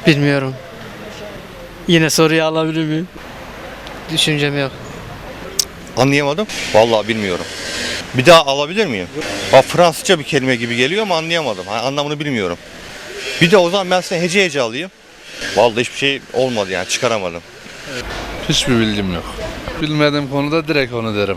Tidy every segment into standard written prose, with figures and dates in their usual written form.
Bilmiyorum. Yine soruyu alabilir miyim? Düşüncem yok. Anlayamadım. Vallahi bilmiyorum. Bir daha alabilir miyim? Fransızca bir kelime gibi geliyor ama anlayamadım. Anlamını bilmiyorum. Bir de o zaman ben size hece alayım. Vallahi hiçbir şey olmadı yani çıkaramadım. Hiçbir bilgim yok. Bilmediğim konuda direkt onu derim.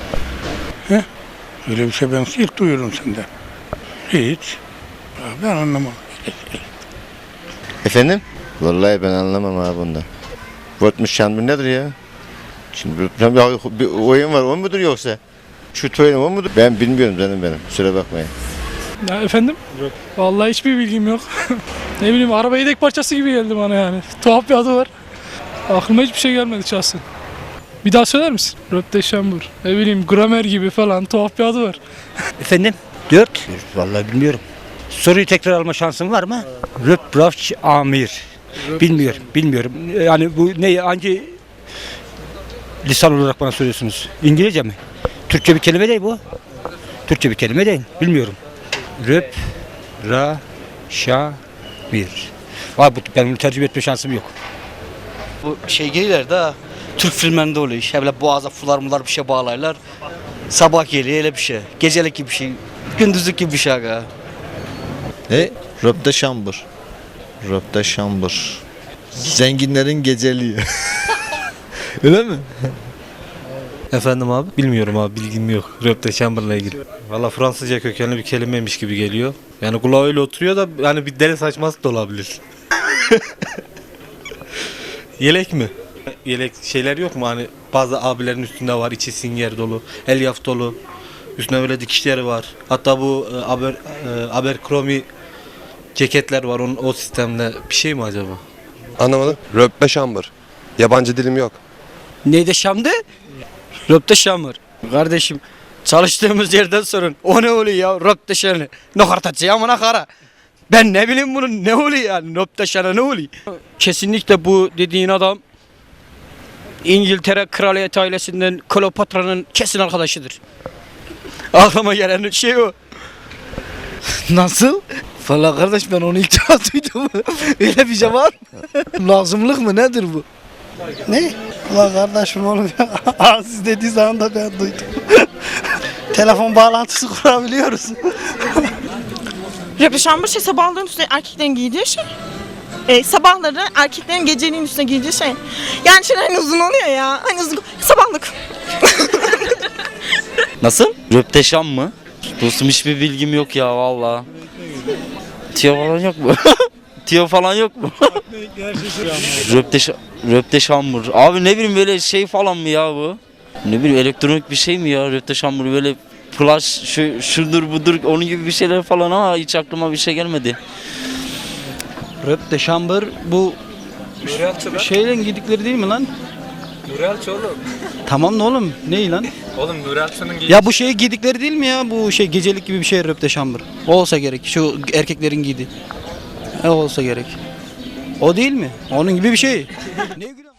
Öyle bir şey ben ilk duyuyorum senden. Hiç. Ben anlamam. Efendim? Vallahi ben anlamam abi bundan. Votmuş şanlı nedir ya? Şimdi bir oyun var, o mudur yoksa? Şu oyun o mudur? Ben bilmiyorum canım benim. Kusura bakmayın. Ya efendim? Yok. Vallahi hiçbir bilgim yok. Ne bileyim, araba yedek parçası gibi geldi bana yani. Tuhaf bir adı var. Aklıma hiçbir şey gelmedi şahsen. Bir daha söyler misin? Röpteşambur. Ne bileyim, gramer gibi falan tuhaf bir adı var. Efendim? 4. Vallahi bilmiyorum. Soruyu tekrar alma şansın var mı? Röpbrafç amir. Bilmiyorum. Yani bu ne, hangi lisan olarak bana soruyorsunuz? İngilizce mi? Türkçe bir kelime değil bu. Türkçe bir kelime değil. Bilmiyorum. Röp, ra, şa, mir. Var, ben bunu tercüme etme şansım yok. Bu şey gelirler de Türk filmlerinde oluyor iş. Böyle boğaza fular bir şey bağlarlar. Sabah geliyor öyle bir şey. Gecelik gibi bir şey. Gündüzlük gibi bir şey aga. Röpteşambur. Röpteşambur. Zenginlerin geceliği. Öyle mi? Efendim abi? Bilmiyorum abi, bilgim yok. Röpteşambır'la ilgili. Valla Fransızca kökenli bir kelimeymiş gibi geliyor. Yani kulağa öyle oturuyor da yani bir deli saçması da olabilir. Yelek mi? Yelek şeyler yok mu hani bazı abilerin üstünde var, içi singer dolu, elyaf dolu. Üstüne böyle dikişleri var. Hatta bu Abercrombie ceketler var, o sistemde bir şey mi acaba? Anlamadım. Röpteşambır. Yabancı dilim yok. Neydi Şam'dı? Röpteşambur. Kardeşim çalıştığımız yerden sorun. O ne oluyor ya? Röpteşambur. Ne kartacı amına kara. Ben ne bileyim bunun ne oluyor yani? Röpteşambur ne oluyor? Kesinlikle bu dediğin adam İngiltere kraliyet ailesinden Kleopatra'nın kesin arkadaşıdır. Aklıma gelen şey o. Nasıl? Valla kardeş, ben onu ilk defa duydum. Öyle bir şey var mı? Lazımlık mı, nedir bu? Ne? Ulan kardeşim oğlum ya. Siz dediği zaman da ben duydum. Telefon bağlantısı kurabiliyoruz. Röpteşambur şey, sabahların üstüne erkeklerin giydiği şey. Sabahları erkeklerin geceliğin üstüne giydiği şey. Yani şey hani uzun oluyor ya. Hani uzun sabahlık. Nasıl? Röpteşam mı? Dostum hiçbir bilgim yok ya valla. Tiyo falan yok mu? Tiyo falan yok mu? Röpteşambur. Abi ne bileyim, böyle şey falan mı ya bu? Ne bileyim, elektronik bir şey mi ya Röpteşambur, böyle flash şudur budur onun gibi bir şeyler falan ama hiç aklıma bir şey gelmedi. Röpteşambır bu şeyle giydikleri değil mi lan? Nurelçi oğlum. Tamam da oğlum, ne lan? Oğlum Nurelçi'nin Ya bu şey giydikleri değil mi ya? Bu şey gecelik gibi bir şey röpteşambır. O olsa gerek. Şu erkeklerin giydiği. O olsa gerek. O değil mi? Onun gibi bir şey. Ne